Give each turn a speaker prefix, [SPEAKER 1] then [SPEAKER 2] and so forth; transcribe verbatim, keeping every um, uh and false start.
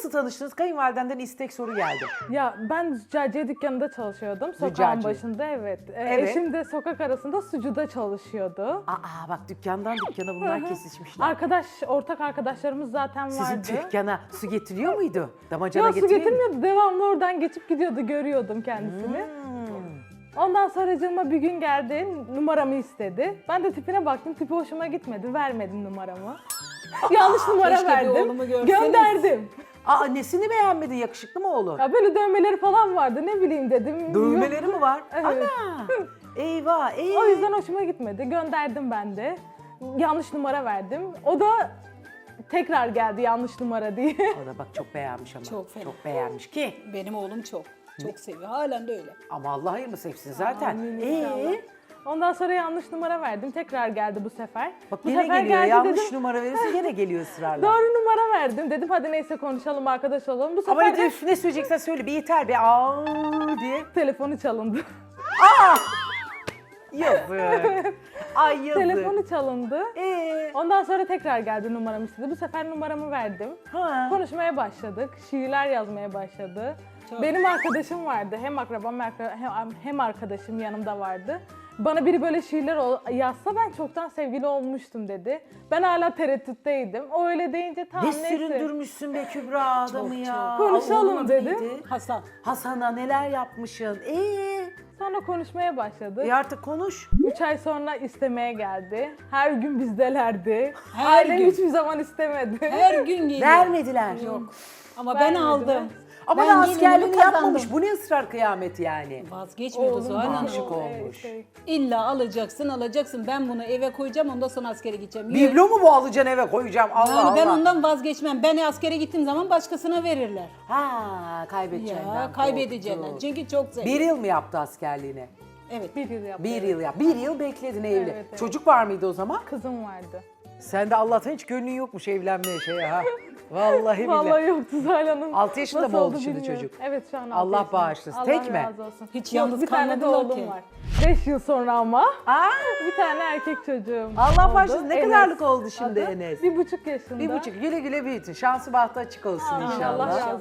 [SPEAKER 1] Nasıl tanıştınız? Kayınvalidenden istek soru geldi.
[SPEAKER 2] Ya ben züccaciye dükkanında çalışıyordum. Sokağın
[SPEAKER 1] Züccaciye.
[SPEAKER 2] başında evet. Ee,
[SPEAKER 1] Evet.
[SPEAKER 2] Eşim de sokak arasında sucuda çalışıyordu.
[SPEAKER 1] Aa bak dükkandan dükkana bunlar kesişmişler.
[SPEAKER 2] Arkadaş, ortak arkadaşlarımız zaten
[SPEAKER 1] Sizin
[SPEAKER 2] vardı.
[SPEAKER 1] dükkana su getiriyor muydu? Damacana
[SPEAKER 2] Yok su
[SPEAKER 1] getiriyor muydu?
[SPEAKER 2] getirmiyordu. Devamlı oradan geçip gidiyordu. Görüyordum kendisini.
[SPEAKER 1] Hmm.
[SPEAKER 2] Ondan sonra canıma bir gün geldi. Numaramı istedi. Ben de tipine baktım. Tipi hoşuma gitmedi. Vermedim numaramı. Yanlış numara
[SPEAKER 3] keşke bir
[SPEAKER 2] verdim.
[SPEAKER 3] oğlumu görseniz.
[SPEAKER 2] Gönderdim.
[SPEAKER 1] Aa nesini beğenmedin? Yakışıklı mı oğlum?
[SPEAKER 2] Ya böyle dövmeleri falan vardı. Ne bileyim dedim.
[SPEAKER 1] Dövmeleri mi var?
[SPEAKER 2] Evet.
[SPEAKER 1] Ana! Eyvah, eyvah.
[SPEAKER 2] O yüzden hoşuma gitmedi. Gönderdim ben de. Yanlış numara verdim. O da tekrar geldi yanlış numara diye.
[SPEAKER 1] O da bak çok beğenmiş ama.
[SPEAKER 3] Çok fena.
[SPEAKER 1] Çok beğenmiş ki.
[SPEAKER 3] Benim oğlum çok. Çok seviyor. Halen de öyle.
[SPEAKER 1] Ama Allah hayırlı sevsin zaten.
[SPEAKER 2] Amin
[SPEAKER 1] Ee,
[SPEAKER 2] inşallah. Ondan sonra yanlış numara verdim. Tekrar geldi bu sefer.
[SPEAKER 1] bak
[SPEAKER 2] bu
[SPEAKER 1] yine
[SPEAKER 2] sefer
[SPEAKER 1] geliyor.
[SPEAKER 2] geldi
[SPEAKER 1] Yanlış
[SPEAKER 2] dedim.
[SPEAKER 1] numara verirse yine geliyor ısrarla.
[SPEAKER 2] Doğru numara verdim. Dedim hadi neyse konuşalım, arkadaş olalım. Bu
[SPEAKER 1] Ama
[SPEAKER 2] sefer
[SPEAKER 1] ne,
[SPEAKER 2] de
[SPEAKER 1] üf, ne söyleyeceksen söyle bir yeter be. Aa diye.
[SPEAKER 2] telefonu çalındı.
[SPEAKER 1] Yazık. Ay yazık.
[SPEAKER 2] Telefonu çalındı.
[SPEAKER 1] Ee,
[SPEAKER 2] Ondan sonra tekrar geldi numaramı istedi. Bu sefer numaramı verdim.
[SPEAKER 1] ha.
[SPEAKER 2] Konuşmaya başladık. Şiirler yazmaya başladı.
[SPEAKER 3] Çok.
[SPEAKER 2] Benim arkadaşım vardı. Hem akrabam hem, hem arkadaşım yanımda vardı. Bana biri böyle şiirler ol- yazsa ben çoktan sevgili olmuştum dedi. Ben hala tereddütteydim. O öyle deyince tamam
[SPEAKER 1] Ne
[SPEAKER 2] neyse.
[SPEAKER 1] süründürmüşsün be Kübra adamı
[SPEAKER 3] Çok,
[SPEAKER 1] ya.
[SPEAKER 2] çok. Konuşalım
[SPEAKER 1] Allah'ın adı
[SPEAKER 2] dedim.
[SPEAKER 1] neydi?
[SPEAKER 3] Hasan.
[SPEAKER 1] Hasan'a neler yapmışsın? Ee,
[SPEAKER 2] Sonra konuşmaya başladı.
[SPEAKER 1] e artık konuş.
[SPEAKER 2] Üç ay sonra istemeye geldi. Her gün bizdelerdi.
[SPEAKER 3] Her
[SPEAKER 2] Ailem
[SPEAKER 3] gün.
[SPEAKER 2] hiçbir zaman istemedi.
[SPEAKER 3] Her gün geliyor.
[SPEAKER 1] Vermediler.
[SPEAKER 3] Yok. Ama ben
[SPEAKER 2] Vermediler.
[SPEAKER 3] aldım.
[SPEAKER 1] Ama
[SPEAKER 3] Ben
[SPEAKER 1] da
[SPEAKER 3] gelinimi
[SPEAKER 1] askerliğini
[SPEAKER 3] kazandım.
[SPEAKER 1] yapmamış. Bu ne ısrar kıyameti yani?
[SPEAKER 3] Vazgeçmiyordu
[SPEAKER 2] Oğlum
[SPEAKER 3] Zuhal Hanım.
[SPEAKER 1] aşık
[SPEAKER 2] o-
[SPEAKER 1] olmuş.
[SPEAKER 2] şey,
[SPEAKER 3] İlla alacaksın, alacaksın. Ben bunu eve koyacağım, ondan sonra askere gideceğim. Yok.
[SPEAKER 1] Biblo mu bu alacaksın eve koyacağım? Allah
[SPEAKER 3] Yani
[SPEAKER 1] Allah.
[SPEAKER 3] ben ondan vazgeçmem. Ben askere gittiğim zaman başkasına verirler.
[SPEAKER 1] Ha kaybedeceğinden
[SPEAKER 3] Ya kaybedeceğinden.
[SPEAKER 1] korktu.
[SPEAKER 3] Çünkü çok zevkli.
[SPEAKER 1] Bir yıl mı yaptı askerliğini?
[SPEAKER 3] Evet.
[SPEAKER 2] bir yıl yaptı.
[SPEAKER 1] Bir yıl yap. Bir yıl bekledin evli.
[SPEAKER 2] Evet, evet.
[SPEAKER 1] Çocuk var mıydı o zaman?
[SPEAKER 2] Kızım vardı.
[SPEAKER 1] Sen de Allah'tan hiç gönlün yokmuş evlenmeye şeye ha. Vallahi billahi.
[SPEAKER 2] Vallahi yoktu Zuhal Hanım.
[SPEAKER 1] Altı yaşında
[SPEAKER 2] Nasıl
[SPEAKER 1] mı oldu
[SPEAKER 2] oldu
[SPEAKER 1] şimdi
[SPEAKER 2] bilmiyorum.
[SPEAKER 1] çocuk?
[SPEAKER 2] Evet şu an altı
[SPEAKER 1] Allah
[SPEAKER 2] yaşında.
[SPEAKER 1] bağışlasın.
[SPEAKER 2] Allah
[SPEAKER 1] Tek mi?
[SPEAKER 2] razı olsun.
[SPEAKER 3] Hiç
[SPEAKER 2] Yok,
[SPEAKER 3] yalnız
[SPEAKER 2] bir tane de
[SPEAKER 3] kalmadılar
[SPEAKER 2] oğlum
[SPEAKER 3] ki.
[SPEAKER 2] var. Beş yıl sonra ama
[SPEAKER 1] Aa,
[SPEAKER 2] bir tane erkek çocuğum
[SPEAKER 1] Allah
[SPEAKER 2] oldu.
[SPEAKER 1] bağışlasın. Ne
[SPEAKER 2] Enes
[SPEAKER 1] kadarlık oldu şimdi
[SPEAKER 2] adı.
[SPEAKER 1] Enes?
[SPEAKER 2] Bir buçuk yaşında.
[SPEAKER 1] Bir buçuk. Güle güle büyütün. Şansı bahtı açık olsun
[SPEAKER 2] Amin,
[SPEAKER 1] inşallah.
[SPEAKER 2] Allah razı